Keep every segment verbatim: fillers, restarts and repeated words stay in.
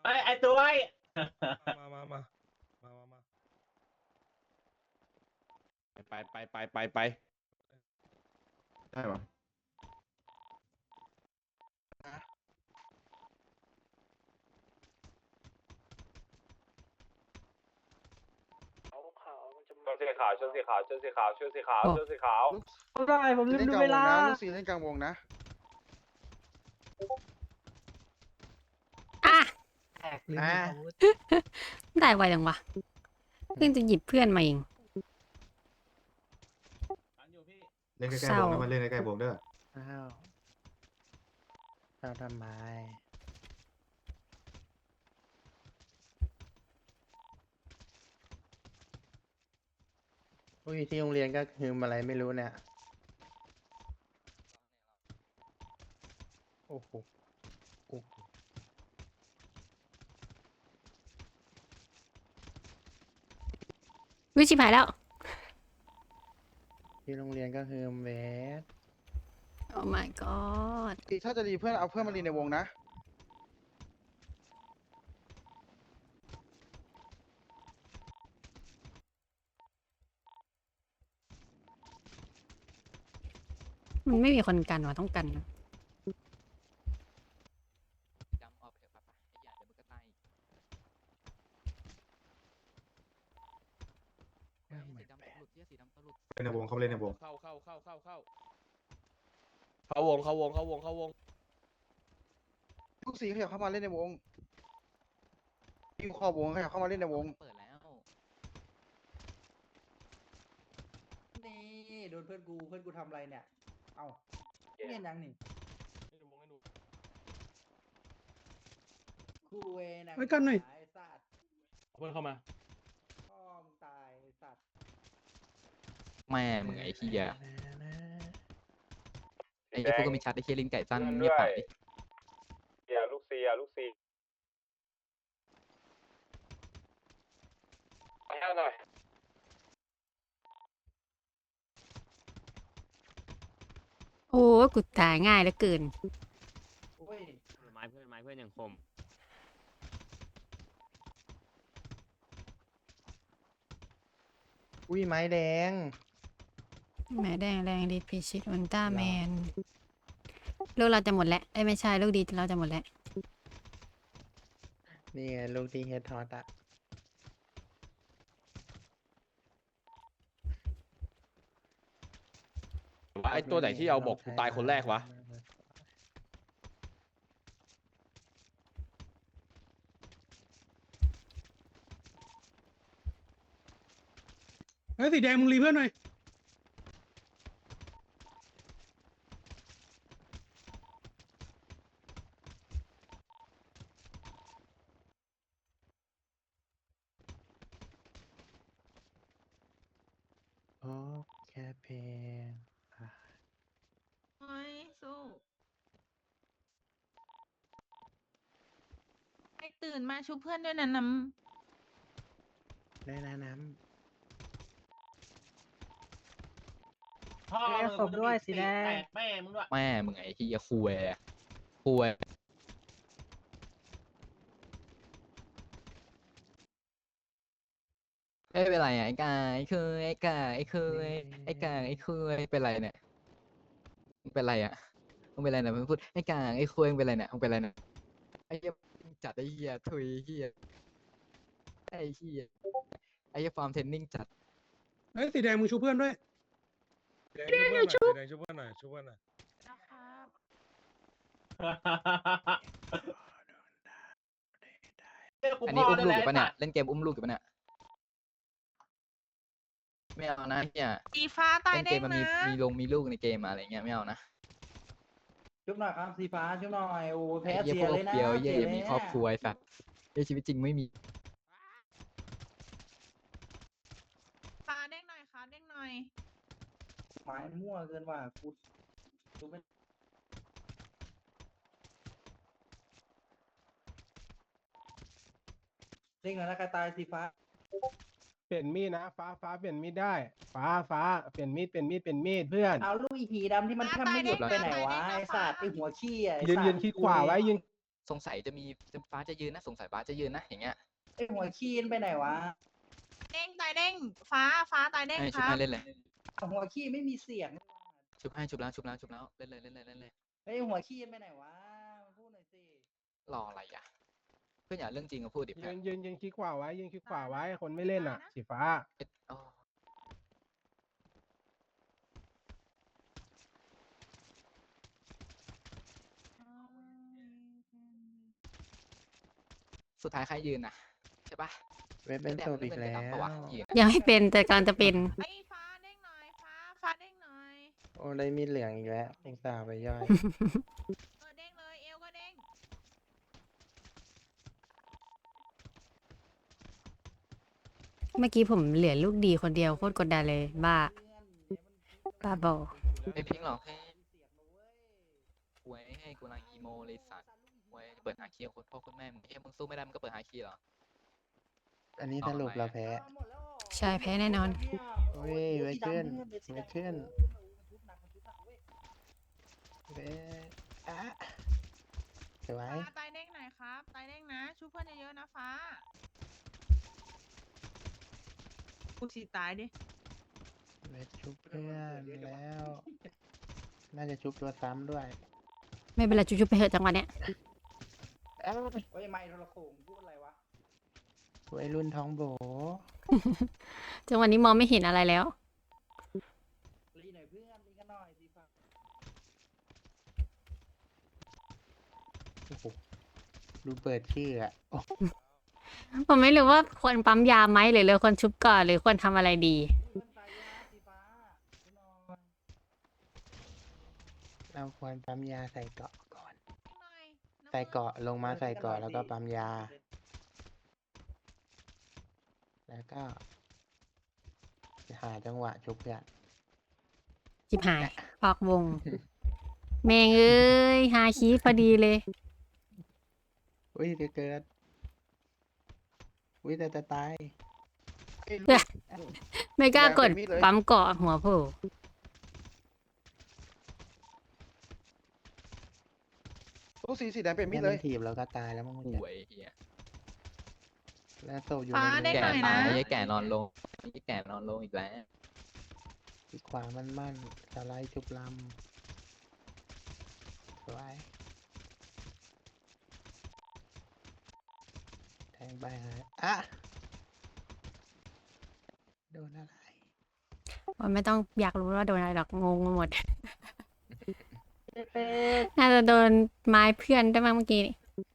ไอ้ไอ้ตัวไอ้มามามามามามาไปไปไปไปไปได้ปะชุดสีขาวชุดสีขาวชุดสีขาวชุดสีขาวชุดสีขาวได้ผมลืมดูเวลาลูกสี่เล่นกลางวงนะอ่ะแตกลืมมีอาวุธได้ไวจังวะเพิ่งจะหยิบเพื่อนมาเองเล่นใกล้เศๆร้าวงนะมันเล่นใกล้ๆวงเด้ออ้าวเราทำไมอุ้ยที่โรงเรียนก็คืออะไรไม่รู้เนี่ย โอ้โหโอ้โหวิชิพายแล้วที่โรงเรียนก็คือเวสโอ้ my god ถ้าจะรีเพื่อนเอาเพื่อนมารีในวงนะมันไม่มีคนกันว่ะต้องกันนะจำออกไปเถอะครับไอ้หยาเดี๋ยวมันก็ตายอีกเรื่องสีเหมือนดำแปตะดลุดเหี้ยสีดำตะลุดเล่นในวงเขาเล่นในวงเข้าเข้าเข้าเข้าเข้าเข้าวงเข้าวงเข้าวงเข้าวงลูกสี่ขยับเข้ามาเล่นในวงอยู่ขอบวงขยับเข้ามาเล่นในวงเปิดแล้วนี่โดนเพื่อนกูเพื่อนกูทำอะไรเนี่ย เอ้าเงียนยังนี่ให้ดูวงให้ดูคู่เวนะไว้กันหน่อยไอ้สัตว์เอาเพื่อนเข้ามาพ่อมึงตายไอ้สัตว์แม่มึงไอ้เหี้ยไอ้ไอ้พวกก็มีชัดไอ้เหี้ยลิงไก่สั้นเงียบไปดิเสียลูกเสียลูกเสียไปให้หน่อยโอ้กูตายง่ายเหลือเกินโอ้ยไม้เพื่อนไม้เพื่อนอย่างคมอุ้ยไม้แดงแม่แดงแรงดีพิชิตอุลตร้าแมนลูกเราจะหมดแล้วเอ้ยไม่ใช่ลูกดีเราจะหมดแล้วนี่ไงลูกที่เฮดทอตอะไอ้ตัวไหนที่เอาบอกกูตายคนแรกวะเฮ้ยสีแดงมึงรีเพื่อนหน่อยโอ้แค่เพลงอ่ะเฮ้ยสู้ไอ้ตื่นมาชุบเพื่อนด้วยนะน้ได้นะน้พ่อเอ้ยศพด้วยสีแดงแตกแม่มึงด้วยแม่มึงไอ้เหี้ยคุยคุยเอ้ยเป็นไรอ่ะไอ้กายไอ้เคยไอ้กายไอ้เคยไอ้กายไอ้เคยเป็นไรเนี่ยมึงเป็นไรอ่ะมึงเป็นไรเนี่ยมึงพูดไอ้กายไอ้เคยมึงเป็นไรเนี่ยมึงเป็นไรเนี่ยไอ้เหี้ยจัดไอ้เหี้ยทุยเหี้ยไอ้เหี้ยไอ้เหี้ยฟาร์มเทรนนิ่งจัดเฮ้ยสีแดงมึงชูเพื่อนด้วยสีแดงชูเพื่อนหน่อยสีแดงชูเพื่อนหน่อยชูเพื่อนหน่อยำนะครับเรียกกูอันพ่นี้ออุ้มได้ลูกแล้อยู่วปะเนี่ยเล่นเกมอุ้มลูกอยู่ปะเนี่ยไม่เอานะเนี่ยสีฟ้าตายเล่นได้เกมมันนะมีมีลงมีลูกในเกมอะไรเงี้ยไม่เอานะำชุบหน่อยครับสีฟ้าชุบหน่อยโอ้แพ้ไอ้เหี้ยเสีพยวกเลยนะเดียวเหี้ยสีอย่ามีครอบครัวไอ้สัตว์ในชีวิตจริงไม่มีฟ้าเด้งหน่อยค่ะเด้งหน่อยไม้มั่วเกินว่ะกูดูไม่เด้งหน่อยนะใครตายสีฟ้าเปลี่ยนมีดนะฟ้าฟ้าเปลี่ยนมีดได้ ฟ้าฟ้าเปลี่ยนมีดเปลี่ยนมีดเปลี่ยนมีดเพื่อนเอาลูกอีผีดำที่มันแทบไม่หยุดไปไหนวะไอสัตว์ไอหัวขี้อ่ะไอ้ยืนสัตว์ยืนคิดขวาไว้ยืนสงสัยจะมีจะฟ้าจะยืนนะสงสัยฟ้าจะยืนนะอย่างเงี้ยไอหัวคีนไปไหนวะเด้งตายเด้ง ฟ้าฟ้าตายเด้งให้คชุบรับให้เล่นเลยหัวคีนไม่มีเสียงชุบให้ชุบแล้วชุบแล้วชุบแล้วเล่นเลยเล่นเลยเล่นเลยไอยหัวคีนไปไหนวะมาพูดหน่อยสิรออะไรอ่ะเพื่อนอย่าเรื่องจริงมาพูดดิยืเพื่อนนยืนยืนคลิกขวาไว้ยืนคลิกขวาไว้คนไม่เล่นอ่ะ สีฟ้าเอ็ดอ๋อสุดท้ายใครยืนนะใช่ปะเว็บเป็นโซอีกแล้วปะวะยืนยังไม่เป็นแต่กำลังจะเป็นไอ้ฟ้าเด้งหน่อย ฟ้า ฟ้าเด้งหน่อยโอ้ได้มีดเหลืองอีกแล้วอุตส่าห์ไปย่อยเออเด้งเลย เอวก็เด้งเมื่อกี้ผมเหลือลูกดีคนเดียวโคตรกดดันเลย บ้า บ้าบอไม่พิงหรอกให้หวยให้กูนางอีโมเลยสัตว์หวยเปิดหาคีย์คนพ่อคุณแม่มึงเอ้ยมึงสู้ไม่ได้มึงก็เปิดหาคีย์เหรออันนี้สรุปเราแพ้ใช่แพ้แน่นอนเฮ้ยไว้ขึ้นไว้ขึ้น เว้ยอ่ะสวยฟ้าตายเด้งหน่อยครับ ตายเด้งนะ ชูเพื่อนเยอะๆนะฟ้าพูดสิตายดิเวทชุบเพื่อนแล้ว น่าจะชุบตัวซ้ำด้วยไม่เป็นไรจุ๊บๆไปเถอะจังหวะเนี้ยเอ้าเฮ้ยไม่โทรโขงพูดอะไรวะวัยรุ่นท้องโบจังหวะนี้มองไม่เห็นอะไรแล้วรีหน่อยเพื่อนรีกันหน่อยสิฟ้าโอ้โหดูเปิดชื่ออะโอ้ผมไม่รู้ว่าควรปั๊มยาไหมหรือเราควรชุบก่อนหรือควรทำอะไรดีเพื่อนตายยากสีฟ้าดูหน่อยเราควรปั๊มยาใส่เกาะก่อนเด้งหน่อยน้ำใส่เกาะลงมาใส่เกาะแล้วก็ปั๊มยา แล้วก็หาจังหวะชุบเพื่อนจิบหายออกวง แมงเอ้ยฮาคีพอดีเลยอุ้ยจะเกิด อุ้ยแต่จะตายไม่กล้ากดอย่าเป็นมิดเลยปั๊มเกาะหัวโผล่โอ้สีสีแดงเป็นมิดเลยถีบแล้วก็ตายแล้วมั้งหวยเฮียแล้วโซอยู่ฟ้าในเด้งแก่หน่อยตานะยไอ้แก่นอนลงไอ้แก่นอนลงอีกแล้วอีกขวามันมั่นสไลด์ชุบลำสวยแทงไปฮะอ่ะโดนอะไรว่าไม่ต้องอยากรู้ว่าโดนอะไรหรอกงงไปหมด น่าจะโดนไม้เพื่อนได้มั้งเมื่อกี้นี่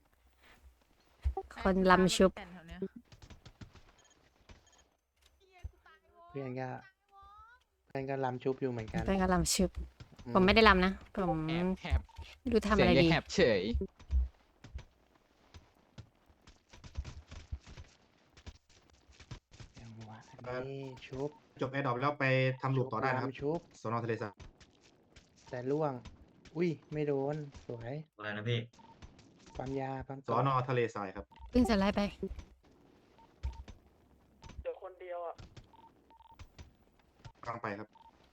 คนลำชุบแต่แถวเนี้ยเพื่อนก็เพื่อนก็ลำชุบอยู่เหมือนกันเพื่อนก็ลำชุบอืผมไม่ได้ลำนะ ผมแอบแหบไม่รู้ทำเสียอะงไรยังดีแหบเฉยจังหวะนี้ชุบจบแอร์ดรอปแล้วไปทำลูปต่อได้นะครับลำชุบสอนอทะเลสาบแต่ล่วง อุ้ย ไม่โดน สวยอะไรนะพี่ปั๊มยา ปั๊มสอนอทะเลทรายครับเพิ่งจะไล่ไปเจอคนเดียวอ่ะกลางไปครับ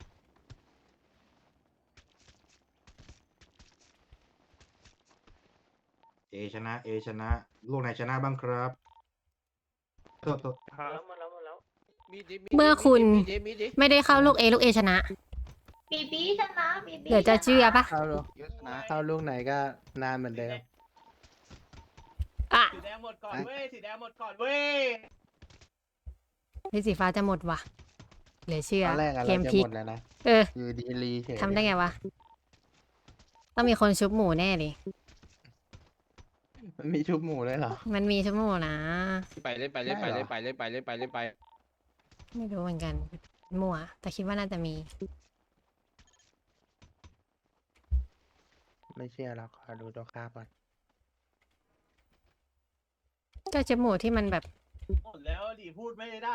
เอชนะ เอชนะ ลูกไหนชนะบ้างครับโทษโทษแล้วมาแล้วมาแล้วเมื่อคุณไม่ได้เข้าลูกเอลูกเอชนะบีบีชนะบีบีเดี๋ยวจะเชื่อปะเข้าลูกเข้าลูกไหนก็นานเหมือนเดิมอ่ะสีแดงหมดก่อนเว้ย สีแดงหมดก่อนเว้ยนี่สีฟ้าจะหมดว่ะเหลือเชื่อตอนแรกอะเกเรามจะพลิหกมดแล้วนะเอออยู่ดีรีเฉยทำได้ไงวะ ต้องมีคนชุบหมูแน่เลยมันมีชุบหมูเลยเหรอมันมีชุบหมูนะไปเล่นไปเล่นไปได้เหรเล่อนไปเล่นไปเล่นไปเล่นไปไม่รู้เหมือนกันมั่วแต่คิดว่าน่าจะมีไม่เชื่อเราขอดูตัวคาบก่อนก็ชุบหมูที่มันแบบหมดแล้วดิพูดไม่ได้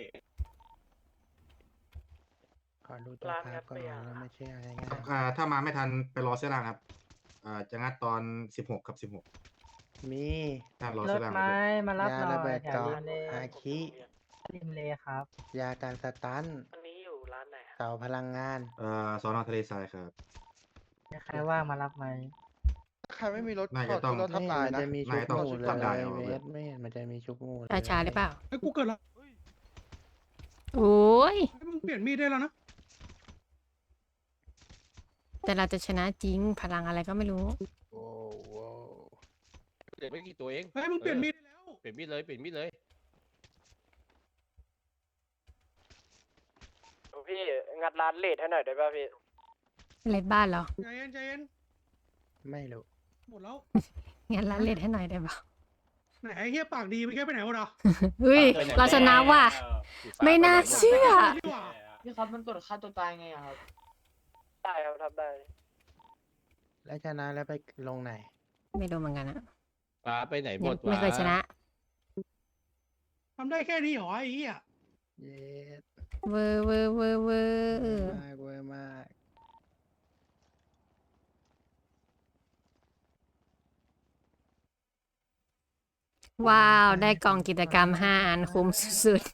ขอดูตัวคาบก่อนเราไม่เชื่อง่ายอ่าถ้ามาไม่ทันไปรอเสื้อล่างครับ อ่า จะงัดตอนสิบหกกับสิบหกๆมีถ้ารอเสื้อล่างครับมารับยาหน่ระอเบิยดแถวเกาะริมเลอาคิริมเลครับยาการสตันอันนี้อยู่ร้านไหนเสาพลังงานเอ่อสอนอทะเลทรายครับใครว่างมารับไหมใครรไม่มีรถน่าขจะอต้องรถทับตายนะนายต้องทำได้เอาเวเว้ยทไม่เห็นมันจะมีชุกงูเลยราชาหรือเปล่าไอ้กูเกิดละโอ้ยมึงเปลี่ยนมีดได้แล้วนะแต่เราจะชนะจริงพลังอะไรก็ไม่รู้โอ้โหเหลือไม่กี่ตัวเองเฮ้ยมึงเปลี่ยนมีดได้แล้วเปลี่ยนมีดเลยเปลี่ยนมีดเลยพี่งัดร้านเลดให้หน่อยได้ป่ะพี่เล็ดบ้านเหรอใจเย็นใจเย็นไม่รู้หมดแล้วงั้นร้านเล็ดให้หน่อยได้ปะไหนไอ้เหี้ยปากดีมันแค่ไปไหนวะเราเฮ้ย เราชนะว่ะ ไม่น่าเชื่อดีกว่าพี่ครับมันกดฆ่าตัวตายไงครับได้ครับทำได้แล้วชนะแล้วไปลงไหนไม่รู้เหมือนกันอะฟ้าไปไหนหมยังดวะไม่เคยชนะทำได้แค่นี้เหรอไอ้เหี้ยเย็ดเวอร์เวอร์เวอร์เวอเวอร์ร์มากเวอร์มากว้าว ได้กล่องกิจกรรมห้าอันคุ้มสุด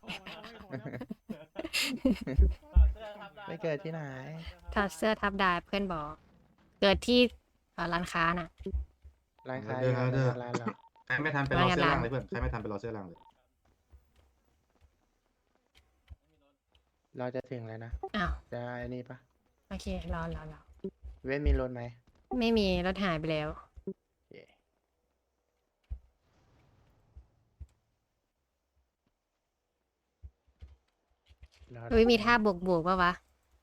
ไม่เกิดที่ไหนๆถอดเสื้อทับดาบเพื่อนบอก เกิดที่เอ่อร้านค้าน่ะร้านค้าเดินร้านเดินร้านเราใครไม่ทันไปรอเสื้อล่างเลยเพื่อนใครไม่ทันไปรอเสื้อล่างเลยเราจะถึงแล้วนะอ้าวจะไอ้นี่ปะโอเค รอรอรอเวทมีรถไหมไม่มีรถหายไปแล้วเย่รออุ้ยมีท่าบวกบวกปะวะ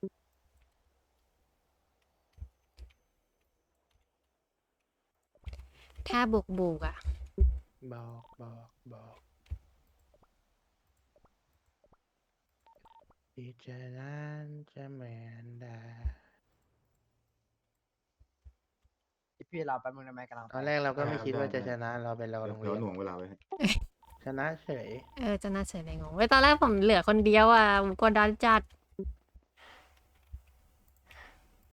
ท่าบวกบวกอ่ะบอกบอกบอกที่จะนั้นจะเหมือนดาพี่เราไปมึงทำไมกันเราตอนแรกเราก็ไม่คิดว่าจะชนะเราไปรอโรงเดี๋เรียวน หน่วงเวลาไว้ให้ชนะเฉยเออจะน่าเสียดายงงเว้ยตอนแรกผมเหลือคนเดียวอ่ะผมกดดันจัด